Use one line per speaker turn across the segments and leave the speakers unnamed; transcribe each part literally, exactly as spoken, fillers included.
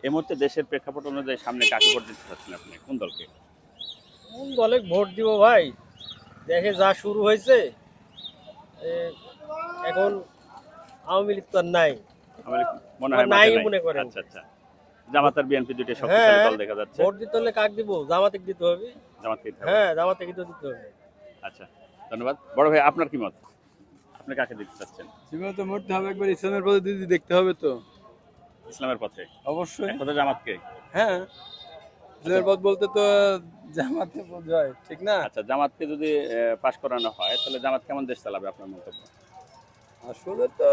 এই মুহূর্তে দেশের প্রেক্ষাপট অনুযায়ী সামনে কাকে ভোট দিতে চাচ্ছেন আপনি, কোন দলকে?
কোন দলে ভোট দিব ভাই? দেখে যা শুরু হয়েছে, এ, এখন আওয়ামী লীগ তো আর নাই।
আমার মনে হয়
নাই
মাঠে নাই।
মনে করেন।
আচ্ছা আচ্ছা, জামাত আর বিএনপি দুটো শক্তিশালী
হ্যাঁ,
দল দেখা যাচ্ছে।
ভোট দিতে হলে কাক দিব? জামাতে দিতে হবে।
জামাতকে দিতে হবে।
হ্যাঁ, জামাতে কিন্তু দিতে হবে।
আচ্ছা, ধন্যবাদ। বড় ভাই, আপনার কি মত? আপনি কাকে দিতে চাচ্ছেন?
জীবনে তো মরতে হবে, একবার ইসলামের পথে দিদি দেখতে হবে তো।
ইসলামের পথে?
অবশ্যই।
এক কথা জামাতকে?
হ্যাঁ, ইসলামের পথ বলতে তো জামাতে বোঝায়, ঠিক না?
আচ্ছা, জামাতকে যদি আহ, পাশ করানো হয় তাহলে জামাত কেমন দেশ চালাবে আপনার মন্তব্য?
আসলে তো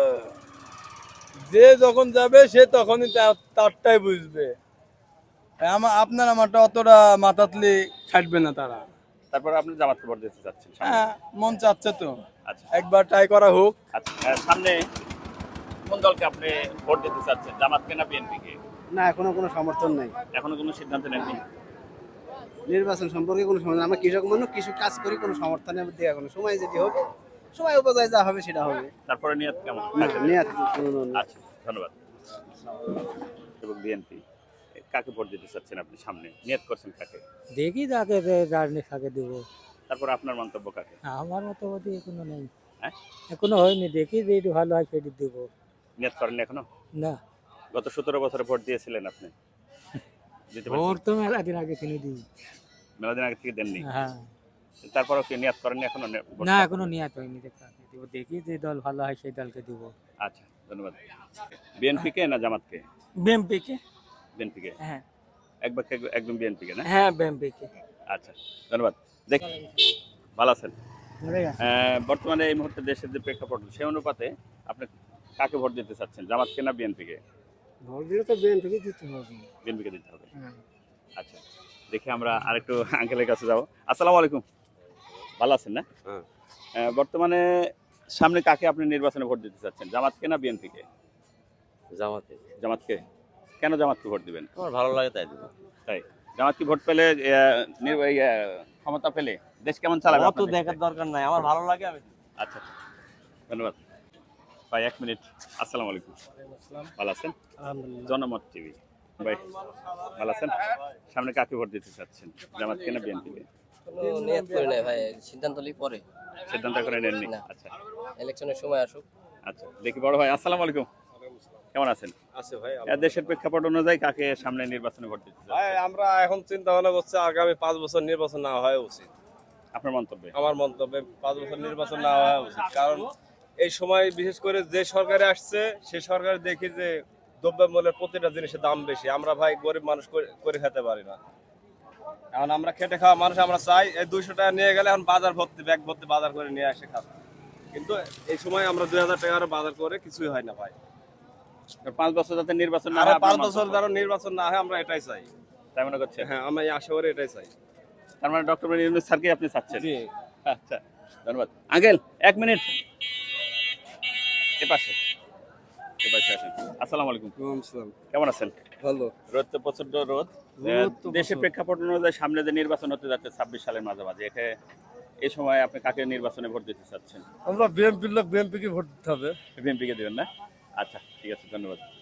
যে যখন যাবে সে তখনই তা- তারটাই বুঝবে। আমার আপনার আমারটা অতটা মাথাতলি খাটবে না তারা।
তারপরে আপনি জামাতকে ভোট দিতে চাচ্ছেন সামনে?
হ্যাঁ, মন চাচ্ছে তো
আচ্ছা
একবার ট্রাই করা হোক।
আচ্ছা, আহ, সামনে কোন দলকে আপনি ভোট দিতে চাচ্ছেন, জামাতকে না বিএনপি কে?
না, এখনো কোনো সমর্থন নাই।
এখনো কোনো সিদ্ধান্ত নেননি?
নির্বাচন সম্পর্কে কোনো সমর্থন, আমরা কৃষক মানুষ, কৃষক কাজ করি, কোনো সমর্থনের মধ্যে এখনো সময় যদি হবে, সময় উপজায় যা হবে সেটা হবে।
তারপরে নিয়ত কেমন?
না, নিয়াত কোনো না।
আচ্ছা, ধন্যবাদ। এবং বিএনপি, কাকে ভোট দিতে চাচ্ছেন আপনি সামনে, নিয়ত করছেন কাকে?
দেখি তাকে রাজনীতি দেবো।
তারপরে আপনার মন্তব্য কাকে?
আমার মতো মতো এখনো নেই,
হ্যাঁ,
এখনো হয়নি। দেখি যে একটু ভালো হয় সেটি দেবো।
নিয়ত করেন এখনো?
না,
গত সতেরো বছরে ভোট দিয়েছিলেন আপনি? দিতে পারছেন?
ভোট তো মেলা দিন আগে কিনে দিই।
মেলা দিন আগে থেকে দেননি?
হ্যাঁ,
তারপরেও কি নিয়ত করেননি এখনো? নে- ভোট
না
করার?
এখনো নিয়ে হয়নি। কাকে দেবো দেখি যে দল ভালো হয় সেই দলকে দেবো।
আচ্ছা, ধন্যবাদ। বিএনপি কে না জামাতকে?
বিএমপিকে।
বিএনপি কে?
হ্যাঁ
একবার একদম বিএনপি কে না?
হ্যাঁ বিএমপিকে।
আচ্ছা, ধন্যবাদ। দেখ, ভালো আছেন? আহ, বর্তমানে এই মুহূর্তে দেশের যে প্রেক্ষাপট সেই অনুপাতে আপনি কাকে ভোট দিতে চাচ্ছেন, জামাতকে না বিএনপি কে?
ভোট দিলে তো বিএমপিকে দিতে হবে।
বিএনপি কে দিতে হবে। আচ্ছা, দেখি আমরা আরেকটু আঙ্কেলের কাছে যাব। আসসালামু আলাইকুম, ভালো আছেন না?
হ্যাঁ।
আহ, বর্তমানে সামনে কাকে আপনি নির্বাচনে ভোট দিতে চাচ্ছেন, জামাতকে না বিএনপি কে?
জামাতে।
জামাতকে। কেন জামাতকে ভোট দিবেন?
আমার ভালো লাগে তাই দিব।
তাই জামাত কি ভোট পেলে আহ, নির্বা- এই, আহ, ক্ষমতা পেলে দেশ কেমন চালাবে
অত
আপনার দেখতে?
দেখার দরকার নাই, আমার ভালো লাগে আমি।
আচ্ছা, ধন্যবাদ ভাই। এক মিনিট। আসসালামু আলাইকুম, ভালো আছেন?
আলহামদুলিল্লাহ।
জনমত টিভি ভাই, ভালো আছেন? সামনে কাকে ভোট দিতে চাচ্ছেন, জামাত কে না বিএনপি কে?
কোনো নিয়ত করি নাই ভাই, সিদ্ধান্ত লিই পরে।
সিদ্ধান্ত করে নেননি?
না।
আচ্ছা
ইলেকশনের সময় আসুক।
আচ্ছা, দেখি বড় ভাই। আসসালামু আলাইকুম, কেমন আছেন?
আছে ভাই।
এ দেশের প্রেক্ষাপট অনুযায়ী কাকে সামনে নির্বাচনে ভোট দিতে চাচ্ছেন?
ভাই আমরা এখন চিন্তা ভাবনা করছি আগামী পাঁচ বছর নির্বাচন না হওয়া উচিত।
আপনার মন্তব্যে?
আমার মন্তব্যে পাঁচ বছর নির্বাচন না হওয়া উচিত, কারণ এই সময় বিশেষ করে যে সরকারে আসছে সে সরকার দেখি যে দ্রব্যমূল্যের প্রতিটা জিনিসের দাম বেশি। আমরা ভাই গরিব মানুষ করে- করে খেতে পারি না। এখন আমরা খেটে খাওয়া মানুষ, আমরা চাই এই দুইশো টাকা নিয়ে গেলে এখন বাজার ভর্তি, ব্যাগ ভর্তি বাজার করে নিয়ে আসে খাবো, কিন্তু এই সময় আমরা দুই হাজার টাকা বাজার করে কিছুই হয় না ভাই।
পাঁচ বছর যাতে নির্বাচন না
আর
হয়
পাঁচ
আপনার
বছর
মন্তব্য?
যারা নির্বাচন না হয় আমরা এটাই চাই।
তাই মনে করছেন?
হ্যাঁ, আমরা আশা করি এটাই চাই।
তার মানে ডক্টর ইউনূস স্যারকে আপনি চাচ্ছেন?
জি।
আচ্ছা, ধন্যবাদ আঙ্কেল। এক মিনিট, এ পাশে এ পাশে আসেন। আসসালামু আলাইকুম, কেমন আছেন?
ভালো।
রোদ তো প্রচন্ড রোদ।
রোদ তো
দেশের
প্রচুর।
প্রেক্ষাপট অনুযায়ী সামনে যে নির্বাচন হতে যাচ্ছে ছাব্বিশ সালের মাঝামাঝি, এখানে এই সময় আপনি কাকে নির্বাচনে ভোট দিতে চাচ্ছেন?
আমরা বিএনপির লোক, বিএনপি কে ভোট দিতে হবে।
বিএনপি কে দিবেন না? আচ্ছা, ঠিক আছে, ধন্যবাদ।